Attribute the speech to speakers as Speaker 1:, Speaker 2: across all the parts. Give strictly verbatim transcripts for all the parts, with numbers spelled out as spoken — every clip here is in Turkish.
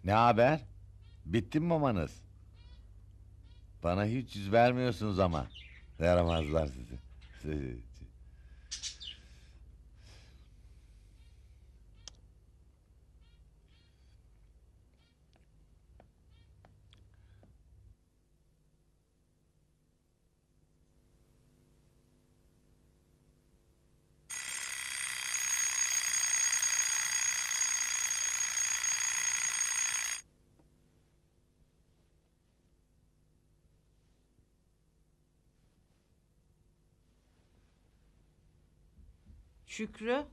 Speaker 1: Ne haber? Bitti mi mamanız? Bana hiç yüz vermiyorsunuz ama. Yaramazlar sizi.
Speaker 2: Şükrü.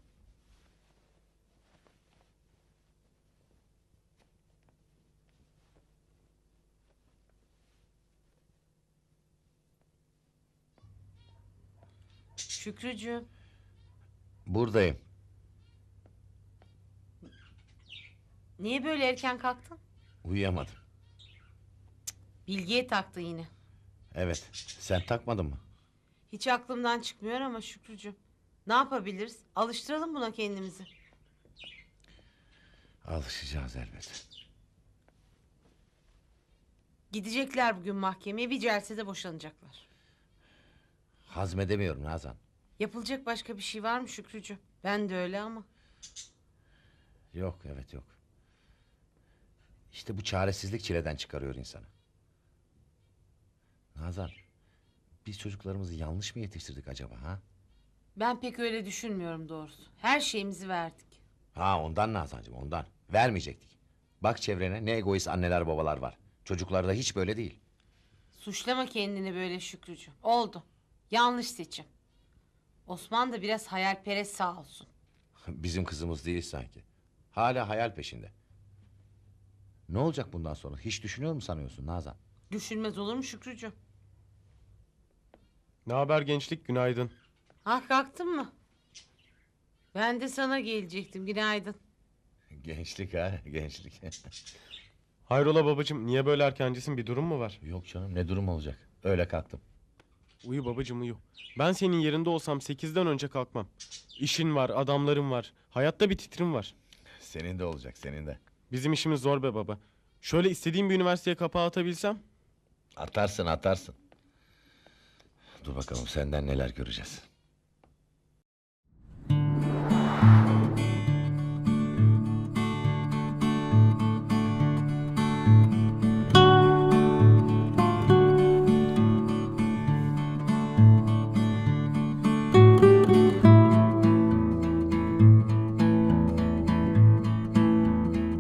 Speaker 2: Şükrücüğüm.
Speaker 1: Buradayım.
Speaker 2: Niye böyle erken kalktın?
Speaker 1: Uyuyamadım.
Speaker 2: Bilgiye taktı yine.
Speaker 1: Evet. Sen takmadın mı?
Speaker 2: Hiç aklımdan çıkmıyor ama Şükrücüğüm. Ne yapabiliriz? Alıştıralım buna kendimizi.
Speaker 1: Alışacağız elbet.
Speaker 2: Gidecekler bugün mahkemeye, bir celsede boşanacaklar.
Speaker 1: Hazmedemiyorum Nazan.
Speaker 2: Yapılacak başka bir şey var mı Şükrücüğüm? Ben de öyle ama.
Speaker 1: Yok, evet yok. İşte bu çaresizlik çileden çıkarıyor insanı. Nazan, biz çocuklarımızı yanlış mı yetiştirdik acaba ha?
Speaker 2: Ben pek öyle düşünmüyorum doğrusu. Her şeyimizi verdik.
Speaker 1: Ha ondan Nazancığım ondan. Vermeyecektik. Bak çevrene ne egoist anneler babalar var. Çocuklar da hiç böyle değil.
Speaker 2: Suçlama kendini böyle Şükrücüğüm. Oldu. Yanlış seçim. Osman da biraz hayalperest sağ olsun.
Speaker 1: Bizim kızımız değil sanki. Hala hayal peşinde. Ne olacak bundan sonra? Hiç düşünüyor mu sanıyorsun Nazan?
Speaker 2: Düşünmez olur mu Şükrücüğüm?
Speaker 3: Ne haber gençlik, günaydın.
Speaker 2: Ah kalktın mı? Ben de sana gelecektim. Günaydın.
Speaker 1: Gençlik ha gençlik.
Speaker 3: Hayrola babacığım, niye böyle erkencisin, bir durum mu var?
Speaker 1: Yok canım ne durum olacak? Öyle kalktım.
Speaker 3: Uyu babacığım uyu. Ben senin yerinde olsam sekizden önce kalkmam. İşin var, adamların var. Hayatta bir titrim var.
Speaker 1: Senin de olacak senin de.
Speaker 3: Bizim işimiz zor be baba. Şöyle istediğim bir üniversiteye kapağı atabilsem.
Speaker 1: Atarsın atarsın. Dur bakalım senden neler göreceğiz.